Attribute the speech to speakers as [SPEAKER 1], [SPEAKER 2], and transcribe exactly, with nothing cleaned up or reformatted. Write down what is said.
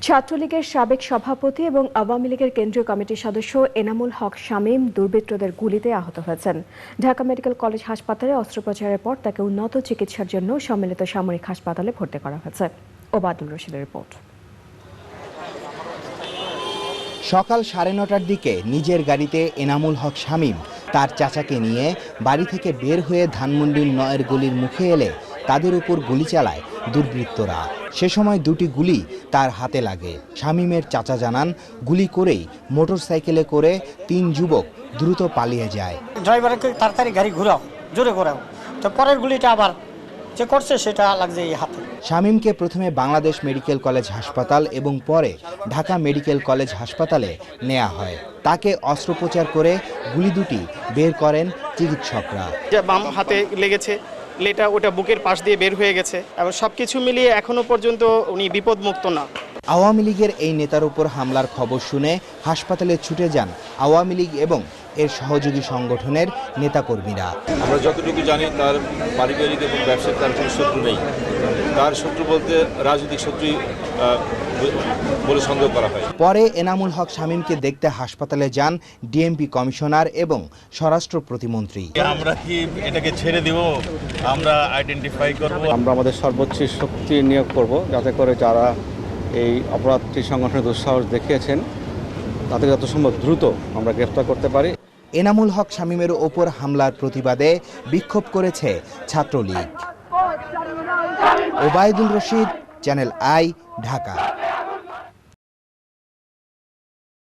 [SPEAKER 1] ছাত্রলীগের সাবেক সভাপতি এবং আওয়ামী লীগের কেন্দ্রীয় কমিটির সদস্য এনামুল হক শামীম দুর্বৃত্তদের গুলিতে আহত হয়েছেন। ঢাকা মেডিকেল কলেজ হাসপাতালে অস্ত্রোপচারের পর তাকে উন্নত চিকিৎসার জন্য সম্মিলিত সামরিক হাসপাতালে ভর্তি করা হয়েছে। ওবায়দুল রশিদের রিপোর্ট।
[SPEAKER 2] সকাল সাড়ে নটার দিকে নিজের গাড়িতে এনামুল হক শামীম তার চাচাকে নিয়ে বাড়ি থেকে বের হয়ে ধানমন্ডির নয়ের গলির মুখে এলে তাদের উপর গুলি চালায় দুর্বৃত্তরা। সে সময় দুটি গুলি তার হাতে লাগে। শামীমের চাচা জানান, গুলি করেই মোটরসাইকেলে করে তিন যুবক দ্রুত পালিয়ে যায়।
[SPEAKER 3] ড্রাইভারকে তাড়াতাড়ি গাড়ি ঘুরাও, জোরে ঘোরাও, তো পরের গুলিটা আবার যে করছে সেটা লাগছে এই হাতে।
[SPEAKER 2] শামীমকে প্রথমে বাংলাদেশ মেডিকেল কলেজ হাসপাতাল এবং পরে ঢাকা মেডিকেল কলেজ হাসপাতালে নেওয়া হয়। তাকে অস্ত্রোপচার করে গুলি দুটি বের করেন চিকিৎসকরা।
[SPEAKER 4] বাম হাতে লেগেছে, লেটা ওটা বুকের পাশ দিয়ে বের হয়ে গেছে এবং সবকিছু মিলিয়ে এখনো পর্যন্ত উনি বিপদমুক্ত না।
[SPEAKER 2] আওয়ামী লীগের এই নেতার উপর হামলার খবর শুনে হাসপাতালে ছুটে যান আওয়ামী লীগ এবং এর সহযোগী সংগঠনের নেতাকর্মীরা।
[SPEAKER 5] আমরা যতটুকু জানি তার পারিবারিক এবং ব্যবসায়িক তার কোনো শত্রু নেই। তার শত্রু বলতে রাজনৈতিক শত্রুই বলে সন্দেহ করা হয়।
[SPEAKER 2] পরে এনামুল হক শামীমকে দেখতে হাসপাতালে যান ডিএমপি কমিশনার এবং স্বরাষ্ট্র প্রতিমন্ত্রী।
[SPEAKER 6] আমরা কি এটাকে ছেড়ে দিব? আমরা আইডেন্টিফাই করব,
[SPEAKER 7] আমরা আমাদের সর্বোচ্চ শক্তি নিয়োগ করব যাতে করে যারা এই অপরাধটি সংগঠনের দুঃসাহস দেখিয়েছেন তাদের যত সম্ভব দ্রুত আমরা গ্রেফতার করতে পারি।
[SPEAKER 2] এনামুল হক শামীমের ওপর হামলার প্রতিবাদে বিক্ষোভ করেছে ছাত্রলীগ। Obaidul Rashid, channel I, Dhaka.